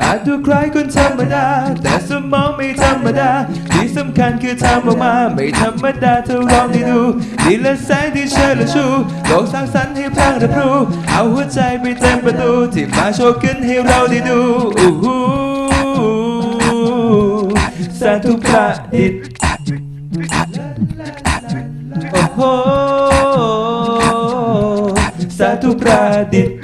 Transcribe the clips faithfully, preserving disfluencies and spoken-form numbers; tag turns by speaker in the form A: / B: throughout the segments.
A: อาจดูคล้ายคนธรรมดาแต่สมองไม่ธรรมดาที่สำคัญคือทำออกมาไม่ธรรมดาเธอลองได้ดูดีและแสงที่เชิดและชูโลกสร้างสรรค์ให้พลังรับรู้เอาหัวใจไปเต็มประตูที่มาโชว์ขึ้นให้เราได้ดูอู้หูสาธุประดิษฐ์โอ้โหสาธุประดิษฐ์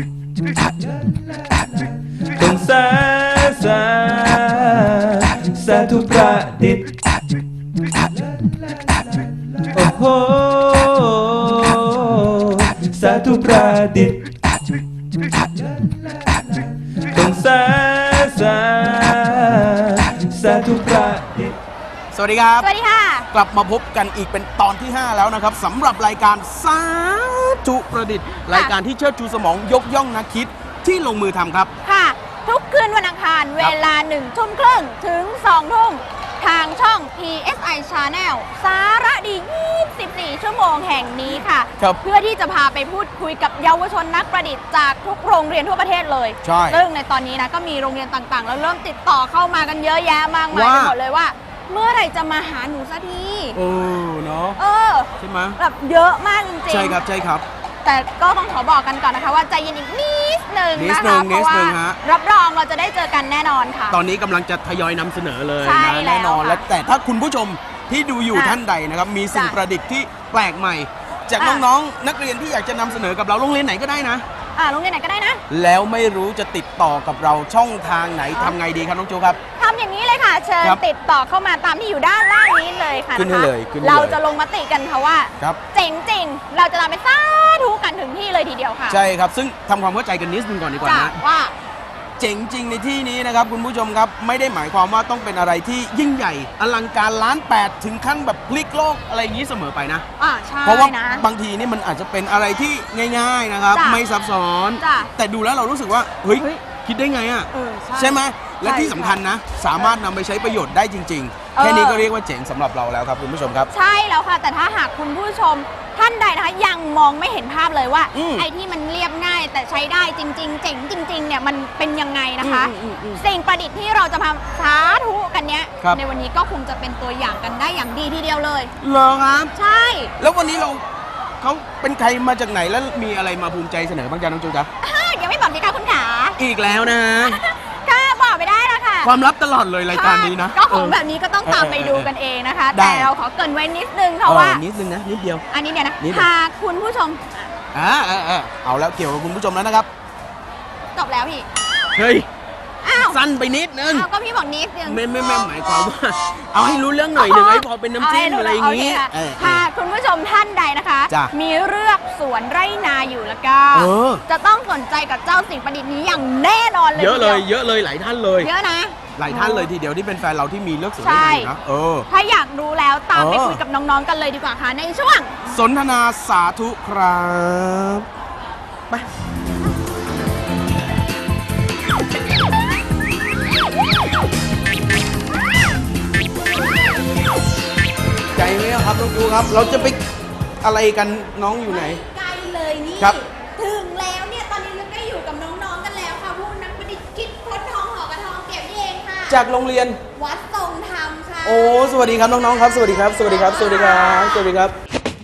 A: ต้องสาสาสาธุประดิษฐ์โอ้โหสาธุประดิษฐ์ต้องสาสาสาธุประดิษฐ์
B: สวัสดีครับ
C: สวัสดีค่ะ
B: กลับมาพบกันอีกเป็นตอนที่ห้าแล้วนะครับสำหรับรายการสาธุประดิษฐ์รายการที่เชิดชูสมองยกย่องนักคิดที่ลงมือทำครับ
C: ค่ะทุกคืนวันอังคารเวลาหนึ่งทุ่มครึ่งถึงสองทุ่มทางช่อง พี เอส ไอ Channel สาระดียี่สิบสี่ชั่วโมงแห่งนี้ค่ะเพื่อที่จะพาไปพูดคุยกับเยาวชนนักประดิษฐ์จากทุกโรงเรียนทั่วประเทศเลย
B: ใช่
C: ซึ่งในตอนนี้นะก็มีโรงเรียนต่างๆแล้วเริ่มติดต่อเข้ามากันเยอะแยะมากมายไปหมดเลยว่าเมื่อไหร่จะมาหาหนูสักที
B: เออเนาะ
C: เออ
B: ใช่ไหม
C: แบบเยอะมากจริงๆ
B: ใช่ครับใช่ครับ
C: แต่ก็ต้องขอบอกกันก่อนนะคะว่าใจเย็นอีกนิดนึงนะคะเพราะว่ารับรองเราจะได้เจอกันแน่นอนค่ะ
B: ตอนนี้กำลังจะทยอยนำเสนอเลยนะ
C: แน่
B: นอนและแต่ถ้าคุณผู้ชมที่ดูอยู่ท่านใดนะครับมีสิ่งประดิษฐ์ที่แปลกใหม่จากน้องๆนักเรียนที่อยากจะนำเสนอกับเราโรงเรียนไหนก็ได้นะ
C: อ่าโรงเรียนไหนก็ได้นะ
B: แล้วไม่รู้จะติดต่อกับเราช่องทางไหนทำไงดีครับน้องโจครับ
C: ทำอย่างนี้เลยค่ะเชิญติดต่อเข้ามาตามที่อยู่ด้านล่างนี้เลยค่ะ
B: ขึ้นให้เลย
C: เราจะลงมติกันค่ะว่า
B: ครับ
C: เจ๋งจริงเราจะนำไปสาธุกันถึงที่เลยทีเดียวค่ะ
B: ใช่ครับซึ่งทำความเข้าใจกันนิดนึงก่อนดีกว่านะ
C: ว่า
B: เจ๋งจริงในที่นี้นะครับคุณผู้ชมครับไม่ได้หมายความว่าต้องเป็นอะไรที่ยิ่งใหญ่อลังการล้านแปดถึงขั้นแบบพลิกโลกอะไรอย่างนี้เสมอไปนะ
C: อ่าใช่
B: เพราะว่า
C: นะ
B: บางทีนี่มันอาจจะเป็นอะไรที่ง่ายๆนะครับไม่ซับซ้อนแต่ดูแล้วเรารู้สึกว่าเฮ้ยคิดได้ไงอ่ะใช่ไหมและที่สำคัญนะสามารถนำไปใช้ประโยชน์ได้จริงๆแค่นี้ก็เรียกว่าเจ๋งสำหรับเราแล้วครับคุณผู้ชมครับ
C: ใช่แล้วค่ะแต่ถ้าหากคุณผู้ชมท่านใดนะคะยังมองไม่เห็นภาพเลยว่าไอ้ที่มันเรียบง่ายแต่ใช้ได้จริงๆเจ๋งจริงๆเนี่ยมันเป็นยังไงนะคะสิ่งประดิษฐ์ที่เราจะมาสาธุกันเนี้ยในวันนี้ก็คงจะเป็นตัวอย่างกันได้อย่างดีทีเดียวเลย
B: เหรอครับ
C: ใช่
B: แล้ววันนี้เราเขาเป็นใครมาจากไหนแล้วมีอะไรมาภูมิใจเสนอบ้างจ๊ะน้องจูจ๊ะ
C: ยังไม่บอกดีค่ะคุณขา
B: อีกแล้วนะ
C: ค่ะบอกไม่ได้แล้วค่ะ
B: ความลับตลอดเลยรายการนี้นะ
C: ก็ของแบบนี้ก็ต้องตามไปดูกันเองนะคะแต่เราขอเกริ่นไว้นิดนึงเพราะว่า
B: นิดนึงนะนิดเดียว
C: อันนี้เนี่ยนะหากคุณผู้ชม
B: อ่าอ่าเอาแล้วเกี่ยวกับคุณผู้ชมแล้วนะครับ
C: จบแล้วพี่
B: เฮ้ยสั้นไปนิดนึง
C: ก็พี่บอกนิดนึง
B: ไม่ไม่ไม่หมายความว่าเอาให้รู้เรื่องหน่อยหนึ่งไอ้พอเป็นน้ำจิ้มอะไรอย่างนี้
C: ค่ะคุณผู้ชมท่านใดนะคะมีเลือกสวนไร่นาอยู่แล้วก็จะต้องสนใจกับเจ้าสิ่งประดิษฐ์นี้อย่างแน่นอนเลย
B: เยอะเลยเยอะเลยหลายท่านเลย
C: เยอะนะ
B: หลายท่านเลยทีเดียวที่เป็นแฟนเราที่มีเลือกสวนไร่นานะเออ
C: ถ้าอยากรู้แล้วตามไปคุยกับน้องๆกันเลยดีกว่าค่ะในช่วง
B: สนทนาสาธุครับไปใจไหมครับน้องจูครับเราจะไปอะไรกันน้องอยู่ไหน
C: ไกลเลยนี่
B: ครับ
C: ถึงแล้วเนี่ยตอนนี้เราได้อยู่กับน้องๆกันแล้วค่ะผู้นักประดิษฐ์คิดค้นทองหอกระทองเก็บนี่เองค่ะ
B: จากโรงเรียน
C: วัดทรงธรรมค่ะ
B: โอ้สวัสดีครับน้องๆครับสวัสดีครับสวัสดีครับสวัสดีครับสวัสดีครับ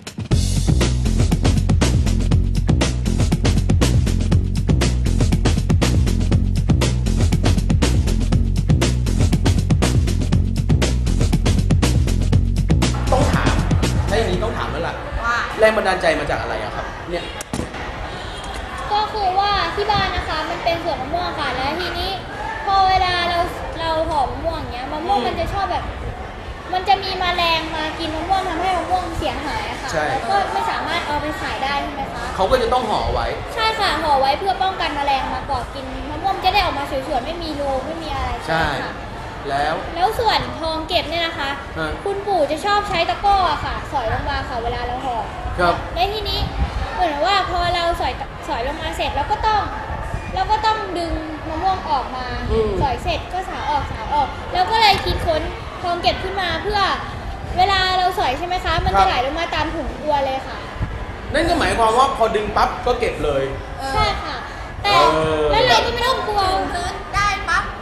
B: แรงบันดาลใจมาจากอะไรอะครับเนี่ย
D: ก็คือว่าที่บ้านนะคะมันเป็นสวนมะม่วงค่ะแล้วทีนี้พอเวลาเราเราห่อมะม่วงเงี้ยมะม่วงมันจะชอบแบบมันจะมีแมลงมากินมะม่วงทำให้มะม่วงเสียหายอะค่ะแล้วก็ไม่สามารถเอาไปขายได้ใช่ไหมคะ
B: เขาก็จะต้องห่อไว้
D: ใช่ค่ะห่อไว้เพื่อป้องกันแมลงมาเกาะกินมะม่วงจะได้ออกมาสวยๆไม่มีรูไม่มีอะไร
B: ใช่แล้ว
D: แล้วส่วนทองเก็บเนี่ยนะคะคุณปู่จะชอบใช้ตะกร้อค่ะสอยลงมาค่ะเวลาเราห่อ
B: ครับ
D: ในที่นี้เหมือนว่าพอเราสอยสอยลงมาเสร็จแล้วก็ต้องเราก็ต้องดึงมะม่วงออกมาสอยเสร็จก็สาวออกสาวออกแล้วก็เลยคิดค้นทองเก็บขึ้นมาเพื่อเวลาเราสอยใช่ไหมคะมันจะไหลลงมาตามถุงบัวเลยค่ะ
B: นั่นก็หมายความว่าพอดึงปั๊บก็เก็บเลย
D: ใช่ค่ะแต่แล้วอะไรที่ไม่ต้องกลัว
C: ได้ปั๊บ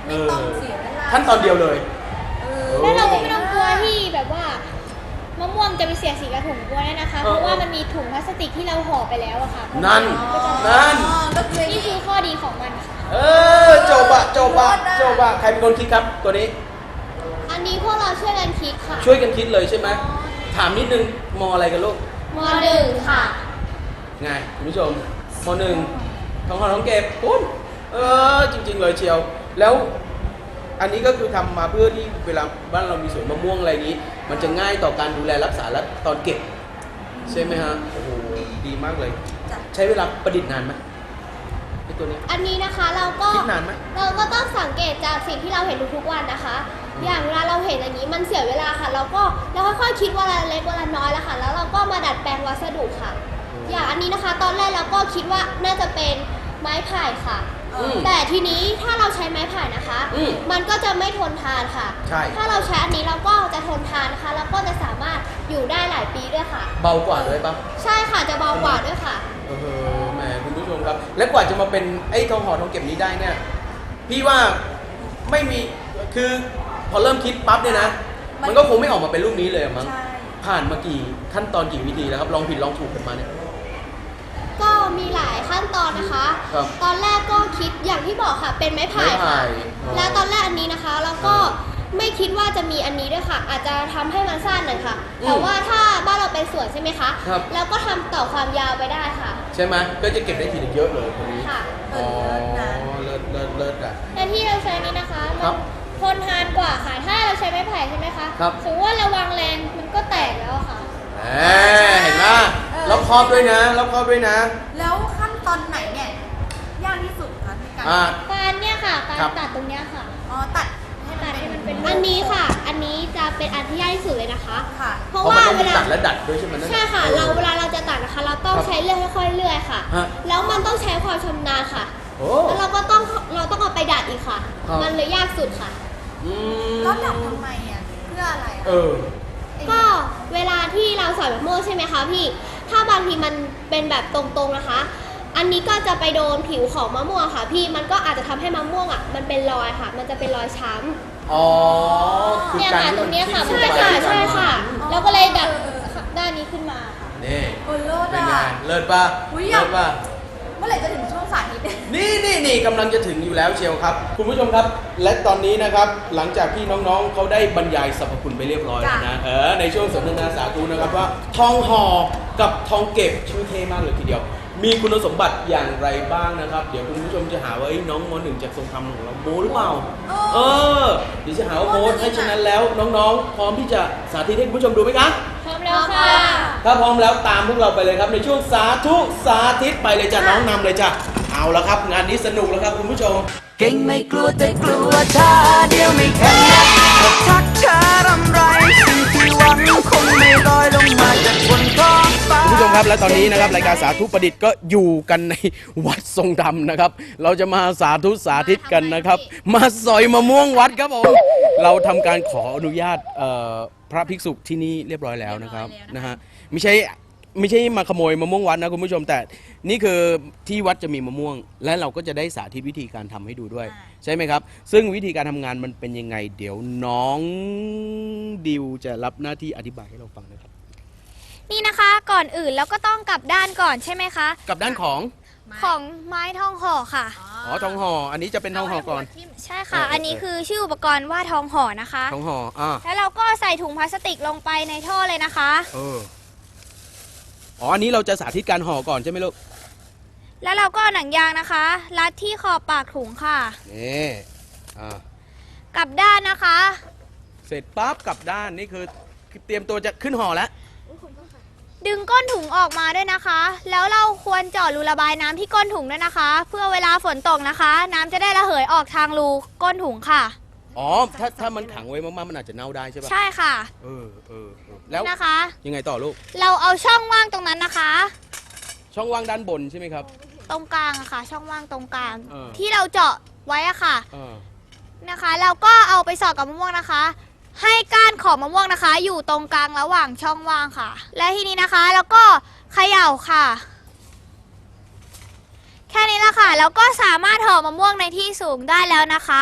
B: ไม่ต้องเสียเวลาขั้นตอนเดียวเลย
D: แล้วเราก็ไม่ต้องกลัวที่แบบว่ามะม่วงจะไปเสียสีกระถุงกลัวได้นะคะ เพราะว่ามันมีถุงพลาสติกที่เราห่อไปแล้วอะค่ะ
B: นั่นนั่น
D: นี่คือข้อดีของมันค่ะ
B: เออจบอะจบอะจบอะใครเป็นคนคิดครับตัวนี้
D: อันนี้พวกเราช่วยกันคิดค่ะ
B: ช่วยกันคิดเลยใช่ไหมถามนิดนึงมอะไรกันลูก
D: มหนึ่งค่ะ
B: ไงคุณผู้ชมมหนึ่งท้องหอท้องเก็บปุ๊บเออจริงๆเลยเชียวแล้วอันนี้ก็คือทำมาเพื่อที่เวลาบ้านเรามีสวนมะม่วงอะไรนี้มันจะง่ายต่อการดูแลรักษาและตอนเก็บใช่ไหมฮะโอ้โหดีมากเลยใช้เวลาประดิษฐ์นานไหมไอ้ตัวนี้
D: อันนี้นะคะเราก็
B: คิดนานไหม
D: เราก็ต้องสังเกตจากสิ่งที่เราเห็นทุกๆวันนะคะอย่างเวลาเราเห็นอย่างนี้มันเสียเวลาค่ะเราก็เราค่อยๆคิดวันละเล็กวันละน้อยแล้วค่ะแล้วเราก็มาดัดแปลงวัสดุค่ะอย่างอันนี้นะคะตอนแรกเราก็คิดว่าน่าจะเป็นไม้ไผ่ค่ะแต่ทีนี้ถ้าเราใช้ไม้ไผ่นะคะมันก็จะไม่ทนทานค่ะถ้าเราใช้อันนี้เราก็จะทนทานนะคะแล้วก็จะสามารถอยู่ได้หลายปีด้วยค่ะ
B: เบากว่าด้วยปะ
D: ใช่ค่ะจะเบากว่าด้วยค่ะ
B: เออแหมคุณผู้ชมครับและกว่าจะมาเป็นไอ้ทองห่อทองเก็บนี้ได้เนี่ยพี่ว่าไม่มีคือพอเริ่มคิดปั๊บเนี่ยนะมันก็คงไม่ออกมาเป็นรูปนี้เลยมั้งผ่านมากี่ขั้นตอนกี่วิธีแล้วครับลองผิดลองถูกกันมาเนี่ย
D: ก็มีหลายขั้นตอนนะคะตอนแรกก็คิดอย่างที่บอกค่ะเป็นไม้ไผ่ค่ะแล้วตอนแรกอันนี้นะคะแล้วก็ไม่คิดว่าจะมีอันนี้ด้วยค่ะอาจจะทำให้มันสั้นหน่อยค่ะแต่ว่าถ้าบ้านเราเป็นสวนใช่ไหมคะแล้วก็ทำต่อความยาวไปได้ค่ะ
B: ใช่ไหมก็จะเก็บได้ทีเยอะเลยคนนี้
D: ค่ะ
B: อ๋อเลิศเลิศเลิศอ่ะ
D: แต่ที่เราใช้นี้นะคะมันทนทานกว่าค่ะถ้าเราใช้ไม้ไผ่ใช่ไหมคะสมมติว่าระวังแรงมันก็แตกแล้วค่ะ
B: เห็นไหมรอบครอบด้วยนะรอบครอบด้วยนะ
C: แล้วขั้นตอนไหนเนี่ยยากที่สุดคะในการ
D: การเนี่ยค่ะการตัดตรงเนี้ยค่ะ
C: อ๋อตัด
D: ให้ตัดให้มันเป็นอันนี้ค่ะอันนี้จะเป็นอันที่ยากที่สุดเลยนะคะ
C: ค่ะ
D: เพราะว่าเวลา
B: ตัดและดัดด้วยใช่ไหม
D: ใช่ค่ะเราเวลาเราจะตัดนะคะเราต้องใช้เลื่อยค่อยๆเลื่อยค่ะแล้วมันต้องใช้ความชำนาญค่ะแล้วเราก็ต้องเราต้องเอาไปดัดอีกค่ะมันเลยยากสุดค่ะ
C: แล้วดัดทำไมอ่ะเพื่ออะไร
B: เออ
D: ก็เวลาที่เราสอยมะม่วงใช่ไหมคะพี่ถ้าบางทีมันเป็นแบบตรงๆนะคะอันนี้ก็จะไปโดนผิวของมะม่วงค่ะพี่มันก็อาจจะทำให้มะม่วงอ่ะมันเป็นรอยค่ะมันจะเป็นรอยช้
B: ำอ๋อ
D: เนี่ยค่ะตรงนี้ค่ะใช่ค่ะใช่ค่ะแล้วก็เลยดัดด้านนี้ขึ้นมาค่ะ
B: นี่เป็นไงเลิศป่ะเลิศป่ะ
C: เมื่อไหร่จะถึงช่วงสาธิต
B: นี่นี่นี่กำลังจะถึงอยู่แล้วเชียวครับคุณผู้ชมครับและตอนนี้นะครับหลังจากที่น้องๆเขาได้บรรยายสรรพคุณไปเรียบร้อยแล้วนะเออในช่วงสนทนาสาธุนะครับว่าทองห่อกับทองเก็บชื่อเท่มากเลยทีเดียวมีคุณสมบัติอย่างไรบ้างนะครับเดี๋ยวคุณผู้ชมจะหาว่าน้องม.หนึ่งจากทรงธรรมของเราโม้หรือเปล่าเออเดี๋ยวจะหาว่าโม้ให้ฉะนั้นแล้วน้องๆพร้อมที่จะสาธิตให้คุณผู้ชมดูไหมครับ
D: พร้อมแล้วค่ะ
B: ถ้าพร้อมแล้วตามพวกเราไปเลยครับในช่วงสาธุสาธิตไปเลยจ้ะน้องนำเลยจ้ะเอาละครับงานนี้สนุกแล้วครับคุณผู้ชม
E: เก่งไม่กลัวแต่กลัวท่าเดียวไม่แข็งทักเธอรำไรสิ่งที่หวังคงไม่ลอยลงมาจากบนท้องฟ้า
B: คุณผู้ชมครับและตอนนี้นะครับรายการสาธุประดิษฐ์ก็อยู่กันในวัดทรงธรรมนะครับเราจะมาสาธุสาธิตกันนะครับมาสอยมะม่วงวัดครับผมเราทำการขออนุญาตพระภิกษุที่นี่เรียบร้อยแล้วนะครับนะฮะไม่ใช่ไม่ใช่มาขโมยมะม่วงวัดนะคุณผู้ชมแต่นี่คือที่วัดจะมีมะม่วงและเราก็จะได้สาธิตวิธีการทำให้ดูด้วยใช่ไหมครับซึ่งวิธีการทำงานมันเป็นยังไงเดี๋ยวน้องดิวจะรับหน้าที่อธิบายให้เราฟังนะครับ
C: นี่นะคะก่อนอื่นเราก็ต้องกลับด้านก่อนใช่ไหมคะ
B: กลับด้านของ
C: ของไม้ทองห่อค่ะ
B: อ๋อทองห่ออันนี้จะเป็นทองห่อก่อน
C: ใช่ค่ะอันนี้คือชื่ออุปกรณ์ว่าทองห่อนะคะ
B: ทองห่ออ่า
C: แล้วเราก็ใส่ถุงพลาสติกลงไปในท่อเลยนะคะ
B: เอออ๋ออันนี้เราจะสาธิตการห่อก่อนใช่ไหมลูก
C: แล้วเราก็หนังยางนะคะรัดที่ขอบปากถุงค่ะ
B: นี่อ่
C: ากลับด้านนะคะ
B: เสร็จปั๊บกลับด้านนี่คือเตรียมตัวจะขึ้นห่อแล้ว
C: ดึงก้นถุงออกมาด้วยนะคะแล้วเราควรเจาะรูระบายน้ำที่ก้นถุงด้วยนะคะเพื่อเวลาฝนตกนะคะน้ำจะได้ระเหยออกทางรูก้นถุงค่ะ
B: อ๋อถ้าถ้ามันขังไว้มากๆมันอาจจะเน่าได้ใช่ปะ
C: ใช่ค่ะ
B: เออเออแล้ว
C: นะคะ
B: ยังไงต่อลูก
C: เราเอาช่องว่างตรงนั้นนะคะ
B: ช่องว่างด้านบนใช่ไหมครับ
C: ตรงกลางอะค่ะช่องว่างตรงกลางที่เราเจาะไว้อะค่ะนะคะเราก็เอาไปสอดกับมะม่วงนะคะให้ก้านของมะม่วงนะคะ อยู่ตรงกลางระหว่างช่องว่างค่ะและทีนี้นะคะแล้วก็เขย่าค่ะแค่นี้ละค่ะแล้วก็สามารถห่อมะม่วงในที่สูงได้แล้วนะคะ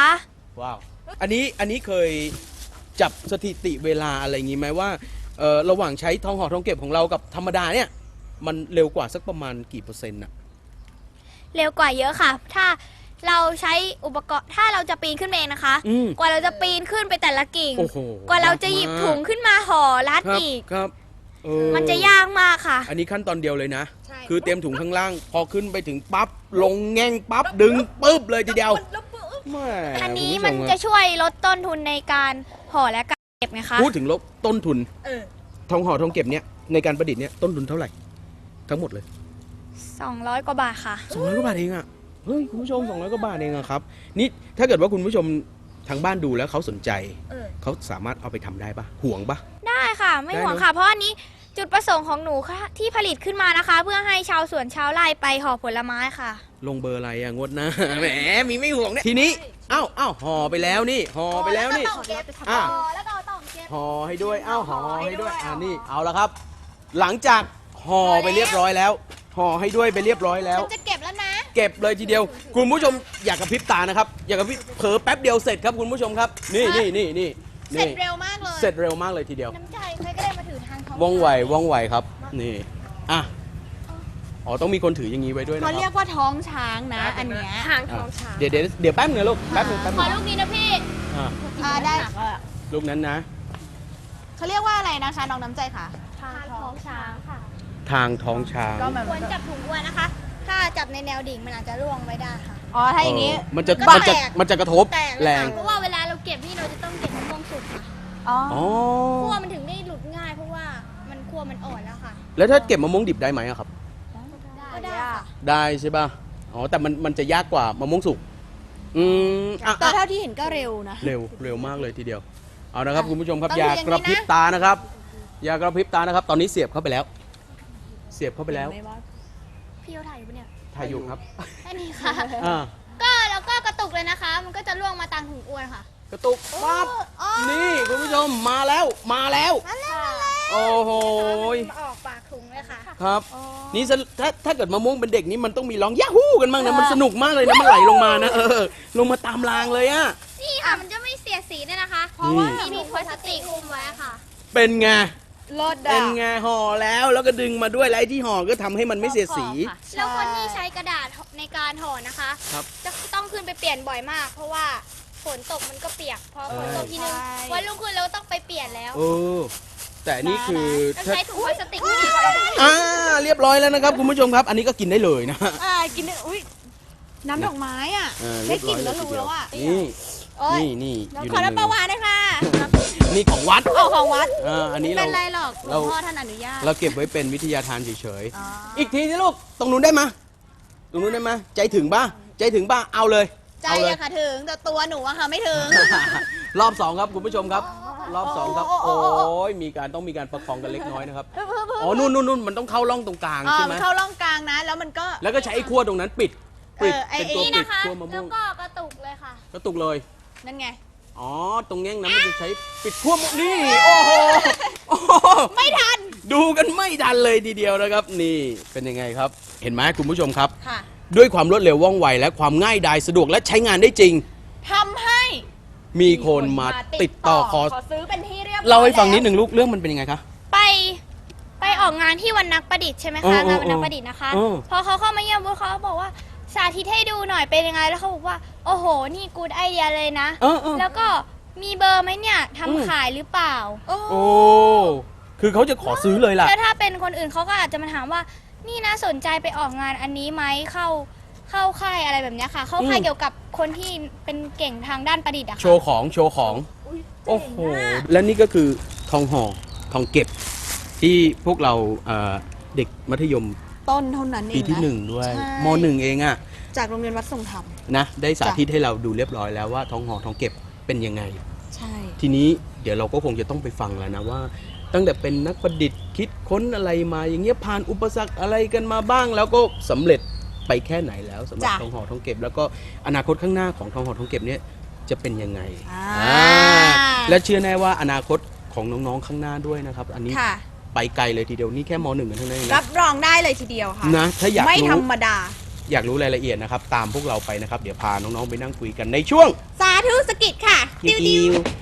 B: ว้าวอันนี้อันนี้เคยจับสถิติเวลาอะไรอย่างงี้ไหมว่าเออระหว่างใช้ทองห่อทองเก็บของเรากับธรรมดาเนี่ยมันเร็วกว่าสักประมาณกี่เปอร์เซ็นต์อะ
D: เร็วกว่าเยอะค่ะ ถ้าเราใช้อุปกรณ์ถ้าเราจะปีนขึ้นเองนะคะ
B: อืม
D: กว่าเราจะปีนขึ้นไปแต่ละกิ่ง
B: โอ้โห
D: กว่าเราจะหยิบถุงขึ้นมาห่อรัด
B: ครับ
D: อีก
B: ครับเออ
D: มันจะยากมากค่ะ
B: อันนี้ขั้นตอนเดียวเลยนะ
C: ใช่
B: คือเตรียมถุงข้างล่าง พอขึ้นไปถึงปั๊บลงแง่งปั๊บดึงปุ๊บเลยทีเดียวแม่
D: อันนี้
B: คุณผู้ช
D: มันจะช่วยลดต้นทุนในการห่อและการเก็บไงคะ
B: พูดถึงลบต้นทุน
C: เออ
B: ทองห่อทองเก็บเนี่ยในการประดิษฐ์เนี่ยต้นทุนเท่าไหร่ ทั้งหมดเลย
D: สองร้อยกว่าบาทค่ะ
B: สองร้อยกว่าบาทเองอะเฮ้ยคุณผู้ชมสองร้อยกว่าบาทเองอะครับนี่ถ้าเกิดว่าคุณผู้ชมทางบ้านดูแล้วเขาสนใจ
C: เออ
B: เขาสามารถเอาไปทำได้ปะห่วงปะ
D: ได้ค่ะ ไม่
B: ได้
D: ห่วง
B: เนอะ
D: ค่ะ เพราะอันนี้จุดประสงค์ของหนูค่ะที่ผลิตขึ้นมานะคะ เพื่อให้ชาวสวนชาวไร่ไปห่อผลไม้ค่ะ
B: ลงเบอร์อะไรอะงวดหน้า แหมมีไม่ห่วงเนี่ยทีนี้อ้าวอ้าวห่อไปแล้วนี่ห่อไปแล้วนี่
C: ต้องเก็บ
B: อ่ะ
C: แล้วก็ต้องเก็บ
B: ห่อให้ด้วยอ้าวห่อให้ด้วย
C: ห่อให้ด้วย
B: อ่านี่เอาละครับ หลังจากห่อไปเรียบร้อยแล้วห่อให้ด้วยไปเรียบร้อยแล้ว
C: ฉันจะเก็บแล้วนะ
B: เก็บเลยทีเดียว คุณผู้ชมอยากกระพริบตานะครับ อยากกระพริบเผลอแป๊บเดียวเสร็จครับคุณผู้ชมครับ นี่นี่นี่นี่
C: เสร็จ
B: นี่
C: เร็วมากเลย
B: เสร็จเร็วมากเลยทีเดียว
D: น้ำใจใครก็ได้มาถือทางท้อง
B: ว่องไวว่องไวครับนี่อ่ะอ๋อต้องมีคนถืออย่างนี้ไว้ด้วยนะค
C: เขา
B: รับ
C: เรียกว่าท้องช้างนะ อันเนี้ย
D: ทางท้องช้าง
B: เดี๋ยวเดี๋ยวเดี๋ยวแป๊บนึงลูกแป๊บนึงแป๊บ
D: ข
B: นึ
D: อง ลูกนี้นะพี่
B: อ่ะ
C: อ่าได้
B: ลูกนั้นนะ
C: เขาเรียกว่าอะไรนะคะน้องน้ำใจคะ
D: ทางท้องช้างค่ะ
B: ทางท้องช้าง
C: ก็แบบ
D: ควรจับถุงอ้วนนะคะ ถ้าจับในแนวดิ่งมันอาจจะร่วงไม่ได้ค่ะ
C: อ๋อถ้าอย่างนี้
B: เออมันจะ
D: ก็
B: มันจะ
D: แตก
B: มันจะกระทบ
D: แต่
B: แรง
D: เพราะว่าเวลาเราเก็บนี่เราจะต้องเก็บมะม่วงสุกค่ะ
C: อ๋อ
B: อ๋อ
D: คั่วมันถึงได้หลุดง่ายเพราะว่ามันคั่วมันอ่อนแล้วค่ะ
B: แล้วถ้าเก็บมะม่วงดิบได้ไหมอะครับ
D: ก็ได้ค่ะ
B: ได้ใช่ป่ะอ๋อแต่มันมันจะยากกว่ามะม่วงสุกอืมอ่ะ
C: แต่
B: อ่ะ
C: เท่าที่เห็นก็เร็วนะ
B: เร็วเร็วมากเลยทีเดียว เอานะครับ
C: อ่ะ
B: คุณผู้ชมครับ
C: ต้อง
B: อย่า
C: ดูอย่าง
B: กระพริบ
C: นี้นะ
B: ตานะครับ อย่ากระพริบตานะครับ ตอนนี้เสียบเข้าไปแล้ว เสียบเข้าไปแล้ว
D: พี่เขาถ่ายอยู่ปะเนี่ย
B: ถ่ายอยู่ครับ
D: แค่นี้ค่ะ
B: อ่า
D: ก็แล้วก็กระตุกเลยนะคะ มันก็จะล่วงมาตามถุงอ้วนค่ะ
B: กระตุกปั๊บนี่คุณผู้ชมมาแล้วมาแล้ว โอ้โห
D: มาออกปากถุงเลยค่ะ
B: ครับ นี่สะถ้าถ้าเกิดมะม่วงเป็นเด็กนี่มันต้องมีร้องยาฮู้กันบ้างนะมันสนุกมากเลยนะมันไหลลงมานะเออลงมาตามรางเลยอะ
D: นี่ค่ะมันจะไม่เสียสีด้วยนะคะ
B: เพราะว่า
D: มีถุงพลาสติกคลุมไว้ค่ะ
B: เป็นไง
C: รถ
B: เป็
C: อ่ะ
B: นไงห่อแล้วแล้วก็ดึงมาด้วยแล้วไอ้ที่ห่อก็ทำให้มันไม่เสียสี
D: แล้วคนที่ใช้กระดาษในการห่อนะคะ
B: ครับ
D: จะต้องขึ้นไปเปลี่ยนบ่อยมาก เพราะว่าฝนตกมันก็เปียก พอฝนตกทีนึงวันรุ่งขึ้นเราก็ต้องไปเปลี่ยนแล้ว
B: เออแต่นี่คือ
D: ต้อง
B: ถ้า
D: ใช้ถุงพลาสติกนี่
B: อ่าเรียบร้อยแล้วนะครับคุณผู้ชมครับ อันนี้ก็กินได้เลยนะ
C: อ่ากินได้อุ้ยน้ำดอกไม้อ่ะ
B: เออ
C: ได้
B: เรียบ
C: ก
B: ร้
C: ลิ่
B: อน ย
C: แล้วรู้แล้วอ่ะ
B: นี่
C: โอ๊ย
B: นี่นี่
C: เดี๋ยว
B: อยู่
C: ขอ
B: ใน
C: น้ำป
B: มื
C: ลา
B: อ
C: หวานเลยค่ะ
B: นี่ของวัด
C: โอ้ของวัด
B: อ่าอันนี้
C: ไม่
B: เรา
C: เป็นไรหรอกหลว
B: เรา
C: งพ่อท่านอนุญาต
B: เราเก็บไว้เป็นวิทยาทานเฉย
C: อ๋อ
B: ๆอีกทีสิลูกตรงนู้นได้ไหมยตรงนู้นได้ไหมยใจถึงป่ะใจถึงป่ะเอาเลย
C: ใจ
B: เอาเลย
C: อะค่ะถึงแต่ตัวหนูอะค่ะไม่ถึง
B: รอบสองครับคุณผู้ชมครับ รอบสองครับ
C: โอ้
B: โอ้
C: โอ้โอ้โอ้
B: ยมีการต้องมีการประคองกันเล็กน้อยนะครับอ๋อนู่นนู่นนู่นมันต้องเข้าร่องตรงกลาง
C: อ่า
B: ใช่ไหม
C: มันเข้าร่องกลางนะ แล้วมันก็
B: แล้วก็ใช้ไอ้ขั้วตรงนั้นปิดปิด
C: เออไอ้
B: เป็นตัว
D: นี่
B: ปิด
D: นะคะ
B: ขั้วมะม่
D: แล้ว
B: วง
D: ก็กระตุกเลยค่ะ
B: กระตุกเลย
C: นั่นไง
B: อ๋อ ตรงแง่งนั้นมันจะใช้ปิดขั้วมะนี่ โอ้โหโอ้โห
C: ไม่ทัน
B: ดูกันไม่ทันเลยทีเดียวนะครับ นี่เป็นยังไงครับ เห็นไหมคุณผู้ชมครับ
C: ค่ะ
B: ด้วยความรวดเร็วว่องไวและความง่ายดายสะดวกและใช้งานได้จริง
C: ทำให้
B: มีคนมาติดต่อขอ
C: ขอซื้อเป็นที่เรียบร้อย
B: เล่าให้ฟังนิดห
C: แล้ว
B: นึ่งลูกเรื่องมันเป็นยังไงคะ
D: ไปไปออกงานที่วันนักประดิษฐ์ใช่ไหม
B: เอ
D: คะ
B: อเออง
D: านวันนักประดิษฐ์นะคะ
B: เออ
D: พอเขาเข้ามาเยี่ยมบูธเขาบอกว่าสาธิตให้ดูหน่อยเป็นยังไงแล้วเขาบอกว่า โอ้โห นี่กูดไอเดียเลยนะ
B: เออเออ
D: แล้วก็มีเบอร์ไหมเนี่ย
B: อืม
D: ทำขายหรือเปล่า
C: โอ้
B: โอ้ คือเขาจะขอซื้อเลยล่ะ
D: แล้วถ้าเป็นคนอื่นเขาก็อาจจะมาถามว่า นี่นะสนใจไปออกงานอันนี้ไหมเข้าเข้าค่ายอะไรแบบเนี้ยค่ะ เข้าค่าย
B: อืม
D: เกี่ยวกับคนที่เป็นเก่งทางด้านประดิษฐ์อะ
B: โช
D: ค่ะ
B: ว์ของโชว์ของ โอ้โห และนี่ก็คือทองห่อทองเก็บ ที่พวกเราเอ่อเด็กมัธยม
C: ต้นเท่านั้นเอง
B: ปีที่
C: นะ
B: หนึ่งด้วย
C: ใช่
B: มหนึ่งเองอะ
C: จากโรงเรียนวัดทรงธรรม
B: นะได้สาธิตให้เราดูเรียบร้อยแล้วว่าทองห่อทองเก็บเป็นยังไง
C: ใช่
B: ทีนี้เดี๋ยวเราก็คงจะต้องไปฟังแล้วนะว่า ตั้งแต่เป็นนักประดิษฐ์คิดค้นอะไรมาอย่างเงี้ยผ่านอุปสรรคอะไรกันมาบ้าง แล้วก็สำเร็จไปแค่ไหนแล้วสำหรับ
C: จ้ะ
B: ทองห่อทองเก็บ แล้วก็อนาคตข้างหน้าของทองห่อทองเก็บเนี่ยจะเป็นยังไง
C: อ่า
B: อ่าและเชื่อแน่ว่าอนาคตของน้องๆข้างหน้าด้วยนะครับ อันนี้
C: ค่ะ
B: ไปไกลเลยทีเดียวนี่แค่มหนึ่งกันเท่านั้นเอง
C: รั
B: นะ
C: บรองได้เลยทีเดียวค่ะ
B: นะถ้าอยาก
C: ไม่
B: รู้
C: ธรรมดา
B: อยากรู้รายละเอียดนะครับตามพวกเราไปนะครับเดี๋ยวพาน้องๆไปนั่งคุยกันในช่วง
C: สาธุสกิจค่ะ
B: ดิว